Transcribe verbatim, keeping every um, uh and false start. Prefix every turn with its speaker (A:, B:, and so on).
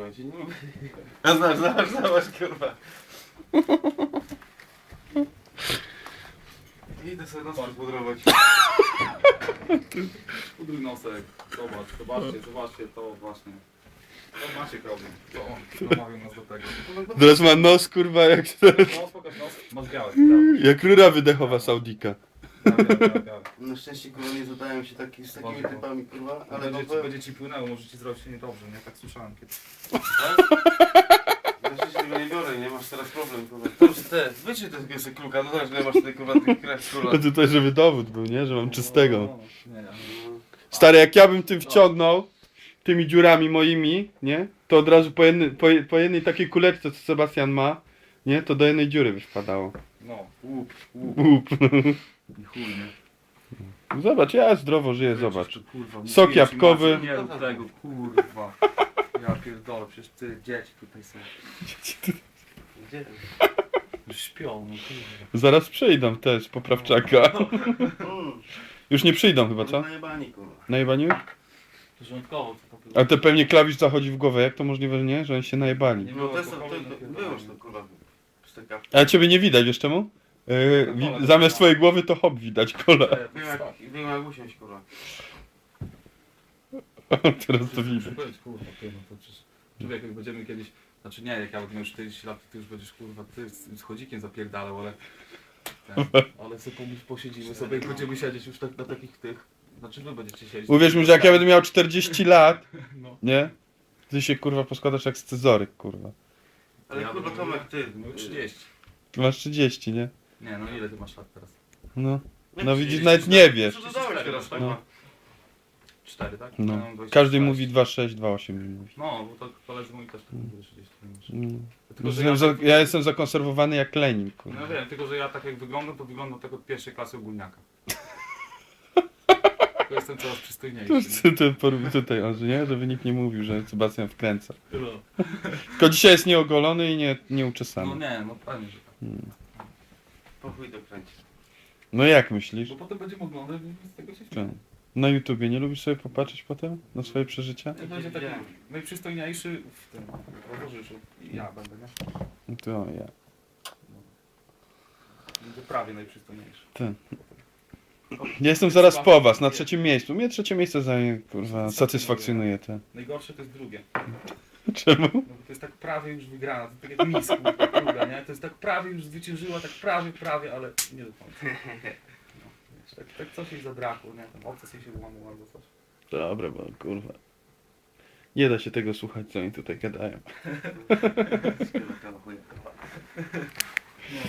A: kurwa, ja cię nie lubię. A znasz, znasz, znasz, kurwa. Idę sobie nos przypudrować.
B: Pudruj nosek. Zobacz, zobaczcie, zobaczcie to właśnie. To Maciek robi. To on namawiał nas do tego.
C: Teraz ma nos, kurwa, jak,
B: No, pokaż nos. Masz białe, białe.
C: jak rura wydechowa Saudika.
B: Białe, białe, białe.
A: Na szczęście kurwa nie zadają się taki, z takimi
B: Można.
A: typami kurwa, ale
B: Będzie,
A: no
B: ci,
A: powiem,
B: będzie ci płynęło, może ci zrobić się niedobrze, nie? Tak słyszałem kiedyś.
A: na szczęście tego nie biorę, nie masz teraz problem kurwa. To już te, wyczyj tego sobie kluka, no zobacz ile masz tutaj kurwa tych krew kurwa.
C: A tutaj, żeby dowód był, nie? Że mam czystego.
B: No, nie, nie.
C: Stary, jak ja bym tym wciągnął, tymi dziurami moimi, nie? To od razu po, jedny, po, po jednej takiej kuleczce, co Sebastian ma, nie? To do jednej dziury by wpadało.
B: No, łup, łup.
C: Łup.
B: I chuj, nie?
C: Zobacz, ja zdrowo żyję, zobacz.
B: Kurwa,
C: Sok
B: mówiłem ci,
C: jabłkowy.
B: Maciek, Nie rób tego, kurwa. Ja pierdolę, przecież ty, dzieci tutaj są.
A: Gdzie?
B: Już śpią, no kurwa.
C: Zaraz przyjdą też, poprawczaka.
A: Mm.
C: Już nie przyjdą chyba, co?
A: Najebani kurwa.
C: Najebani?
B: Porządkowo to po
C: A to pewnie klawisz zachodzi w głowę, jak to możliwe, że nie? Że oni się najebali.
B: Nie
A: No
B: było
A: to, to, to,
B: alkoholu,
A: to
B: napierdolę.
A: wyłóż to kurwa. Steka.
C: A ciebie nie widać, wiesz czemu? Yy, wi zamiast twojej głowy to hop widać, kola.
A: Wiem jak, wiem jak usiąść kurwa.
C: Teraz to widać.
B: Muszę powiedzieć, kurwa, ty, no to przecież... Człowiek, jak będziemy kiedyś... Znaczy nie, jak ja będę miał czterdzieści lat, to ty już będziesz, kurwa, ty z, z chodzikiem zapierdalał, ale... Ten, ale sobie pomyśl, posiedzimy sobie i będziemy siedzieć już tak na takich tych... Znaczy wy będziecie siedzieć...
C: Uwierz mi, że jak ja będę miał czterdzieści lat,
B: No.
C: nie? Ty się kurwa poskładasz jak scyzoryk, kurwa.
A: Ale
B: Ja
A: kurwa
B: bym-
A: Tomek ty.
B: No trzydzieści.
C: Ty masz trzydzieści, nie?
B: Nie, no ile ty masz lat teraz?
C: No.
A: Jak
C: No
A: ci-
C: widzisz, nawet nie wiesz.
A: Co dodałeś teraz
B: No.
A: kurwa?
B: cztery, tak?
C: No.
B: Ja mam dwadzieścia
C: Każdy
B: sześć.
C: mówi dwa sześć, dwa osiem mi mówi.
B: No, bo to koledzy moi też tak mówili trzydzieści.
C: Mm.
B: Tylko, że
C: Ja,
B: ja,
C: za,
B: tak,
C: ja jestem zakonserwowany jak Lenin, kurwa.
B: No wiem, tylko że ja tak jak wyglądam, to wyglądam tak od pierwszej klasy ogólniaka. To jestem coraz
C: To
B: przystojniejszy.
C: jest to porób tutaj, on, że nie? Żeby nikt nie mówił, że Sebastian wkręca.
B: No,
C: Tylko dzisiaj jest nieogolony i nie,
B: no
C: nieuczesany.
B: nie, no pewnie, że tak.
A: Po chuj dokręci.
C: No jak myślisz?
B: Bo potem będziemy oglądać i z tego się
C: Co?
B: śmieją.
C: Na YouTubie nie lubisz sobie popatrzeć potem na swoje przeżycia?
B: Ja będzie taki
A: Widziałem.
B: najprzystojniejszy w tym towarzyszu. I ja będę, nie?
C: No to ja.
B: Będę prawie najprzystojniejszy.
C: Ty. Ja jestem zaraz po was, na trzecim miejscu. Mnie trzecie miejsce zajmie, kurwa, satysfakcjonuje to.
B: Najgorsze to jest drugie.
C: Czemu?
B: No bo to jest tak prawie już wygrana, to tak jak Miss, kurwa, druga, nie? To jest tak prawie już zwyciężyła, tak prawie, prawie, ale nie do końca. No, wiesz, tak, tak coś jej zabrakło, nie? Tam obces jej się łamał albo coś.
C: Dobra, bo kurwa. Nie da się tego słuchać, co oni tutaj gadają.
A: Szkoda, chuj, kurwa.